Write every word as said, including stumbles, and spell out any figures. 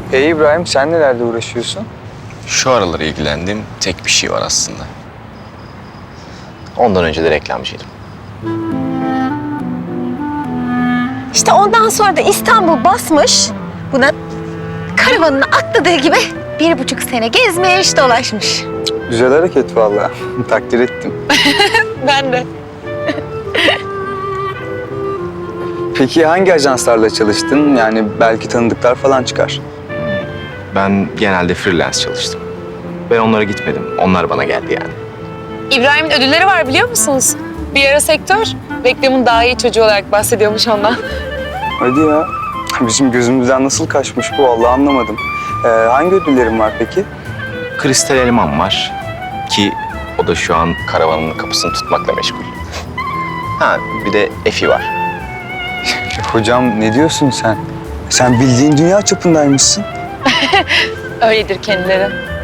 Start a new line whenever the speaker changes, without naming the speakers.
Hey İbrahim, sen nelerle uğraşıyorsun?
Şu aralar ilgilendiğim tek bir şey var aslında. Ondan önce de reklamcıydım.
İşte ondan sonra da İstanbul basmış. Buna karavanına atladığı gibi bir buçuk sene gezmiş, dolaşmış.
Güzel hareket vallahi. Takdir ettim.
Ben de.
Peki hangi ajanslarla çalıştın? Yani belki tanıdıklar falan çıkar.
Ben genelde freelance çalıştım. Ben onlara gitmedim. Onlar bana geldi yani.
İbrahim'in ödülleri var biliyor musunuz? Bir ara sektör, reklamın daha iyi çocuğu olarak bahsediyormuş ondan.
Hadi ya. Bizim gözümüzden nasıl kaçmış bu vallahi anlamadım. Ee, hangi ödüllerin var peki?
Kristal Elman var ki o da şu an karavanın kapısını tutmakla meşgul. Ha bir de Efi var.
Hocam ne diyorsun sen? Sen bildiğin dünya çapındaymışsın.
Öyledir kendileri.